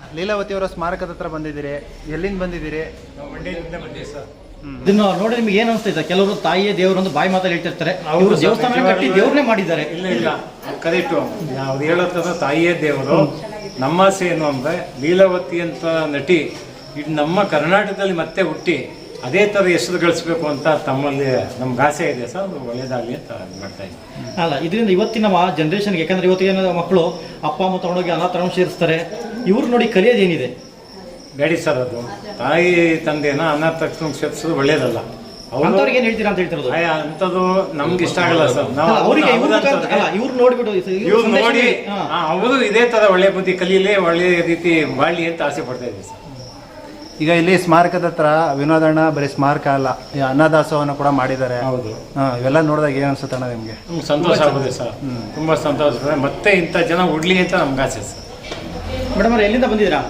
ಲೀಲಾವತಿ ಅವರ ಸ್ಮಾರಕದ ಹತ್ರ ಬಂದಿದ್ದೀರಿ, ಎಲ್ಲಿಂದ ಬಂದಿದ್ದೀರಿ? ಮಂಡ್ಯದಿಂದ ಬಂದಿದ್ದೀವಿ ಸರ್. ಇದನ್ನು ನೋಡಿ ನಿಮ್ಗೆ ಏನು ಅನಿಸ್ತಾ ಕೆಲವರು ತಾಯಿಯೇ ದೇವರು ಒಂದು ಬಾಯಿ ಮಾತಲ್ಲಿ ಹೇಳ್ತಿರ್ತಾರೆ, ಅವರು ದೇವಸ್ಥಾನ ಕಟ್ಟಿ ದೇವ್ರನ್ನೇ ಮಾಡಿದ್ದಾರೆ. ಇಲ್ಲ ಕರೆಕ್ಟು, ಅವ್ರು ಹೇಳೋದ್ರ ತಾಯಿಯೇ ದೇವರು. ನಮ್ಮ ಆಸೆ ಏನು ಅಂದರೆ ಲೀಲಾವತಿ ಅಂತ ನಟಿ ಇದು ನಮ್ಮ ಕರ್ನಾಟಕದಲ್ಲಿ ಮತ್ತೆ ಹುಟ್ಟಿ ಅದೇ ಥರ ಹೆಸರು ಗಳಿಸ್ಬೇಕು ಅಂತ ತಮ್ಮಲ್ಲಿ ನಮ್ಗೆ ಆಸೆ ಇದೆ ಸರ್. ಅದು ಒಳ್ಳೇದಾಗಲಿ ಅಂತ ಮಾಡ್ತಾ ಇದ್ದೀವಿ. ಅಲ್ಲ, ಇದರಿಂದ ಇವತ್ತಿನ ಜನ್ರೇಷನ್ಗೆ, ಯಾಕಂದ್ರೆ ಇವತ್ತಿನ ಮಕ್ಕಳು ಅಪ್ಪ ಅಮ್ಮ ತಗೊಂಡೋಗಿ ಅನಾಥಾಶ್ರಮ ಸೇರಿಸ್ತಾರೆ, ಇವ್ರು ನೋಡಿ ಕಲಿಯೋದೇನಿದೆ? ಬೇಡಿ ಸರ್, ಅದು ತಾಯಿ ತಂದೆನ ಅನಾಥಾಶ್ರಮಕ್ಕೆ ಸೇರಿಸೋದು ಒಳ್ಳೇದಲ್ಲ. ಅವ್ರಿಗೆ ಏನ್ ಹೇಳ್ತೀರಾ ಅಂತ ಹೇಳ್ತಿರೋದು? ಅಂಥದ್ದು ನಮ್ಗೆ ಇಷ್ಟ ಆಗಲ್ಲ ಸರ್. ನಾವು ಅವರಿಗೆ ಇವ್ರು ನೋಡ್ಬಿಟ್ಟು ಇವ್ರು ನೋಡಿ ಅವರು ಇದೇ ಥರ ಒಳ್ಳೆ ಬುದ್ಧಿ ಕಲೀಲಿ, ಒಳ್ಳೆ ರೀತಿ ಬಾಳಿ ಅಂತ ಆಸೆ ಪಡ್ತಾ ಇದ್ದೀವಿ ಸರ್. ಈಗ ಇಲ್ಲಿ ಸ್ಮಾರಕದ ಹತ್ರ ವಿನೋದಣ್ಣ ಬರೀ ಸ್ಮಾರಕ ಅಲ್ಲ, ಈ ಅನ್ನದಾಸೋಹನ ಕೂಡ ಮಾಡಿದ್ದಾರೆ. ಹೌದು, ಇವೆಲ್ಲ ನೋಡಿದಾಗ ಏನು ಅನ್ಸುತ್ತೆ ಅಣ್ಣ ನಿಮಗೆ? ಸಂತೋಷ ಆಗುತ್ತೆ ಸರ್, ತುಂಬ ಸಂತೋಷ ಆಗುತ್ತೆ. ಮತ್ತೆ ಇಂಥ ಜನ ಉಡ್ಲಿ ಅಂತ ನಮ್ಗೆ ಆಸೆ ಸರ್. ಮೇಡಮ್ ಅವ್ರು ಎಲ್ಲಿಂದ ಬಂದಿದ್ದೀರಾ?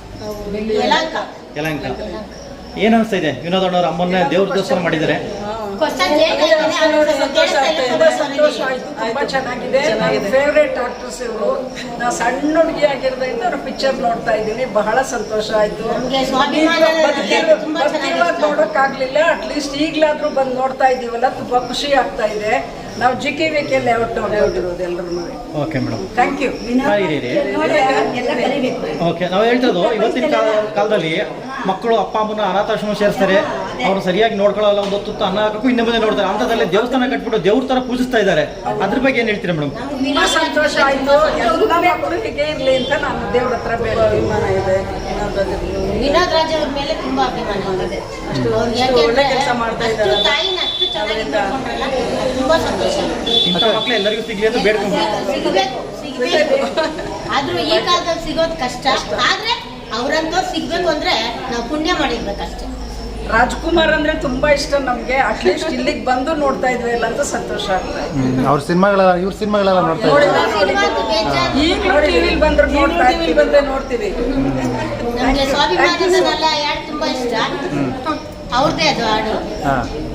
ಯಲಹಂಕ. ಏನು ಅನಿಸ್ತಾ ಇದೆ? ವಿನೋದಣ್ಣವ್ರ ಅಮ್ಮನ್ನ ದೇವ್ರ ದರ್ಶನ ಮಾಡಿದ್ದಾರೆ. ಸಂತೋಷ ಆಯ್ತು, ತುಂಬಾ ಚೆನ್ನಾಗಿದೆ. ಫೇವ್ರೇಟ್ ಆಕ್ಟ್ರೆಸ್ ಇವರು. ನಾ ಸಣ್ಣ ಹುಡುಗಿ ಆಗಿರೋದ್ರಿಂದ ಅವ್ರ ಪಿಕ್ಚರ್ ನೋಡ್ತಾ ಇದ್ದೀನಿ, ಬಹಳ ಸಂತೋಷ ಆಯ್ತು. ನೋಡೋಕ್ಕಾಗ್ಲಿಲ್ಲ, ಅಟ್ಲೀಸ್ಟ್ ಈಗಲಾದ್ರೂ ಬಂದು ನೋಡ್ತಾ ಇದ್ದೀವಲ್ಲ, ತುಂಬಾ ಖುಷಿ ಆಗ್ತಾ ಇದೆ. ನಾವು GKVK ಲೇಔಟ್ ನೋಡಿರೋದು ಎಲ್ಲರೂ. Okay madam, thank you. Okay, ನಾವು ಹೇಳ್ತಿರೋದು ಇವತ್ತಿನ ಕಾಲದಲ್ಲಿ ಮಕ್ಕಳು ಅಪ್ಪ ಅಮ್ಮನ ಅನಾಥಾಶ್ರಮ ಸೇರಿಸ್ತಾರೆ, ಅವ್ರು ಸರಿಯಾಗಿ ನೋಡ್ಕೊಳ್ಳಲ್ಲ, ಒಂದು ಹೊತ್ತು ಅನ್ನ ಹಾಕಕ್ಕೂ ಇನ್ನೂ ಮುಂದೆ ನೋಡ್ತಾರೆ. ಅಂಥದ್ದಲ್ಲೇ ದೇವಸ್ಥಾನ ಕಟ್ಬಿಟ್ಟು ದೇವ್ರ ಥರ ಪೂಜಿಸ್ತಾ ಇದ್ದಾರೆ. ಅದ್ರ ಬಗ್ಗೆ ಏನು ಹೇಳ್ತೀರಾ ಮೇಡಮ್? ತುಂಬಾ ಸಂತೋಷ ಆಯ್ತು. ಎಲ್ಲ ಮಕ್ಕಳು ಹೀಗೆ ಇರಲಿ ಅಂತ ನಾನು ದೇವ್ರ ಹತ್ರ ಬೇಡ. ಅಭಿಮಾನ ಇದೆ ವಿನೋದ್ ರಾಜ್ ಅವ್ರ ಮೇಲೆ ತುಂಬಾ ಅಭಿಮಾನ ಇದೆ. ಒಳ್ಳೆ ಕೆಲಸ ಮಾಡ್ತಾ ಇದ್ದಾರೆ. ತುಂಬಾ ಸಂತೋಷ. ಇಂಥ ಮಕ್ಕಳು ಎಲ್ಲರಿಗೂ ಸಿಗ್ಲಿ ಅಂತ ಬೇಡ್ಕೊಂಡು ಆದ್ರೂ ಈ ಕಾಲದಲ್ಲಿ ಸಿಗೋದು ಕಷ್ಟ. ಆದ್ರೆ ಅವ್ರಂತೂ ಸಿಗ್ಬೇಕು ಅಂದ್ರೆ ನಾವು ಪುಣ್ಯ ಮಾಡಿರ್ಬೇಕಷ್ಟೇ. ರಾಜ್ಕುಮಾರ್ ಅಂದ್ರೆ ತುಂಬಾ ಇಷ್ಟ ನಮ್ಗೆ. ಅಟ್ಲೀಸ್ಟ್ ಇಲ್ಲಿಗೆ ಬಂದು ನೋಡ್ತಾ ಇದ್ವಿ ಇಲ್ಲ ಅಂತ ಸಂತೋಷ ಆಗ್ತಾ ಇದೆ. ಅವ್ರ ಸಿನಿಮಾಗಳೆಲ್ಲ, ಇವ್ರ ಸಿನಿಮಾಗಳೆಲ್ಲ ನೋಡ್ತಾ ಇದ್ದೀವಿ. ಈಗ ಟಿವಿಲಿ ಬಂದ್ರೆ ನೋಡ್ತೀವಿ. ನಮ್ಗೆ ಸ್ವಾಭಿಮಾನದಲ್ಲ ಯಾರು ತುಂಬಾ ಇಷ್ಟ, ಅವ್ರದ್ದೇ ಅದು ಹಾಡು.